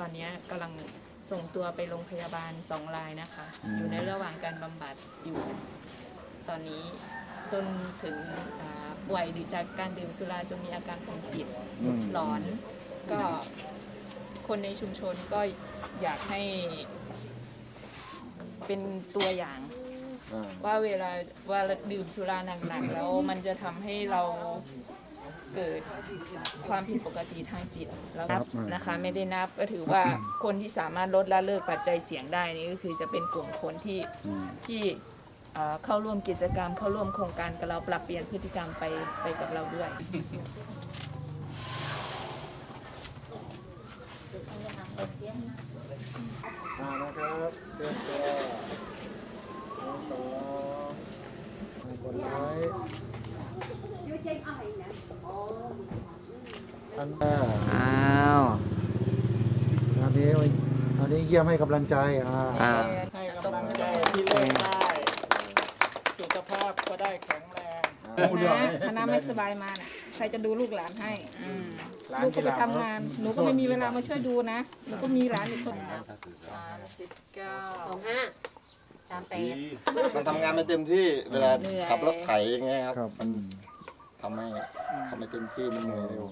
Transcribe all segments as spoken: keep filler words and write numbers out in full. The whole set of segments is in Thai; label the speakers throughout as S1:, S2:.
S1: อนนี้กำลังส่งตัวไปโรงพยาบาลสองรายนะคะ อยู่ในระหว่างการบำบัดอยู่ ตอนนี้จนถึงป่วยหรือจากการดื่มสุราจนมีอาการทางจิตหลอน ก็คนในชุมชนก็อยากให้เป็นตัวอย่างว่าเวลาว่าดื่มสุราหนักๆแล้วมันจะทำให้เราเกิดความผิดปกติทางจิตแล้วนะคะไม่ได้นับก็ถือว่าคนที่สามารถลดละเลิกปัจจัยเสี่ยงได้นี่ก็คือจะเป็นกลุ่มคนที่ที่เข้าร่วมกิจกรรมเข้าร่วมโครงการกับเราปรับเปลี่ยนพฤติกรรมไปไปกับเราด้วย
S2: มานะครับเดินตัวต่อกดไลค์อันอ้าวอันนี้อันนี้เยี่ยมให้กำลังใจอ่าให้กำลังใจที่เลิกได้สุขภาพก็ได้แข็งแรง
S3: คณะไม่สบายมาน่ะใครจะดูลูกหลานให้ลูกก็ไปทำงานหนูก็ไม่มีเวลามาช่วยดูนะหนูก็มีหลานอีกคน
S1: สามสิบเก้า
S4: สองห้าสามแปด
S5: มันทำงานไม่เต็มที่เวลาขับรถไถอย่างเงี้ยครับมันทำให้ทำไม่เต็มที่มันเหนื่อยเร็ว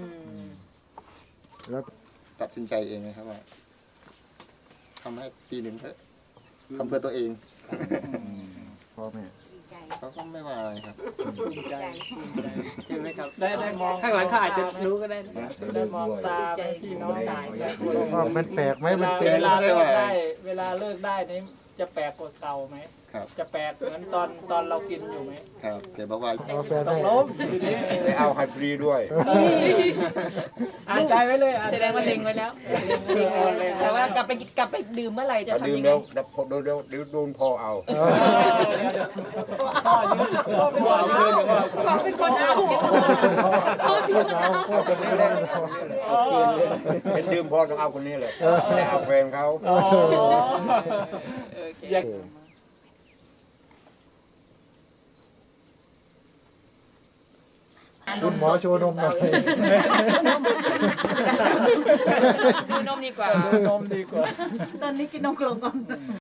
S2: แล้ว
S5: ตัดสินใจเองนะครับว่าทำให้ปีหนึ่งเถอะทำเพื่อตัวเอง
S2: พ่อแม่
S5: เขาก็ไม่ว่าอะไรครับ
S6: ใจใช่ไหมครับได้ได้มองข้างหลังเขาอาจจะรู้ก็ได้ได้มองตาพี่น้องตาย
S2: มันแปลกไหมมัน
S6: เวลาเลิกได้เวลาเลิกได้นี่จะแปลกกว่าเก่าไหม
S5: ครับ
S6: จะแปลกเหมือนตอนตอนเรากินอยู่ไหม
S5: ครับแกบอกว่า
S6: ต้องล้มทีนี้
S7: ได้เอาไฮฟรีด้วย
S6: อ่านใจไว้เลย
S1: แสดงว่าเล็งไว้แล้วแต่ว่ากลับไปกลับไปดื่มเมื่อไหร่จะทำยังไง
S7: ดื่มแล้วโดนโดนโดนพอเอา
S6: พ่อยืนพ่อยืน
S1: พ่อเป็นคนเอาพ่อเป็นคนเอา
S7: พ่อคนนี้เลยเป็นดื่มพอต้องเอาคนนี้เลยได้เอาแฟนเขา
S2: คุณหมอโชว์นมหน่อย
S1: ดูนมดีกว่า
S6: ดูนมดีกว่า
S3: ตอนนี้กินนมกลงก่อน